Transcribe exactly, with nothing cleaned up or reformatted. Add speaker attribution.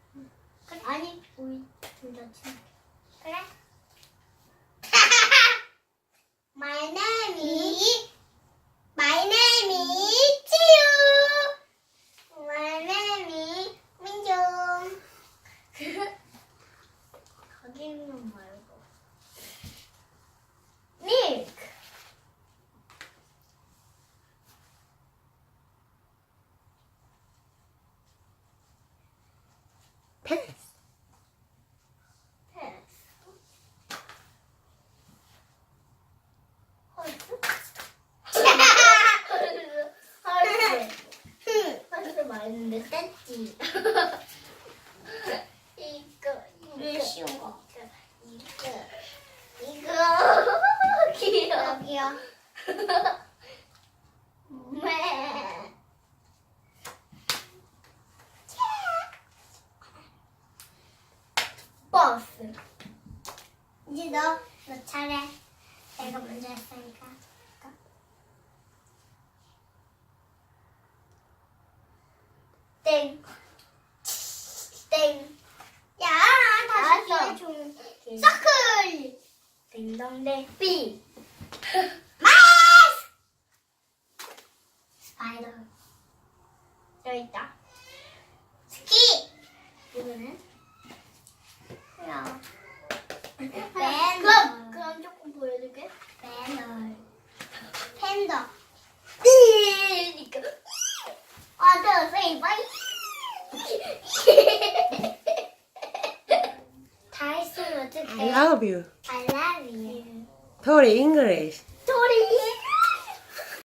Speaker 1: 그래. 아니 우리 둘다 친. 그래. My name is My name is 지유. My name is 민정. 거기는 말고. Milk.
Speaker 2: 패스.
Speaker 1: Pass. 헐스? 헐스. 헐스 말했는데 뗐지. 이거 이거 쉬운 거. 이거 이거 귀여워. 여기요. 매. 버스. 이제 너, 너 차례. 내가 먼저 했으니까. 땡. 땡. 야, 다시 기회 좀. 서클. 딩동댕. 삐. 마우스. 스파이더. 여기 있다. 스키. 이거는? 야. 그럼, 그럼 조금 보여줄게. 배너. 팬더. 띠니까. 어서 say bye. 다 했으면 어떡해?
Speaker 2: I love you.
Speaker 1: I love you.
Speaker 2: 토리 English.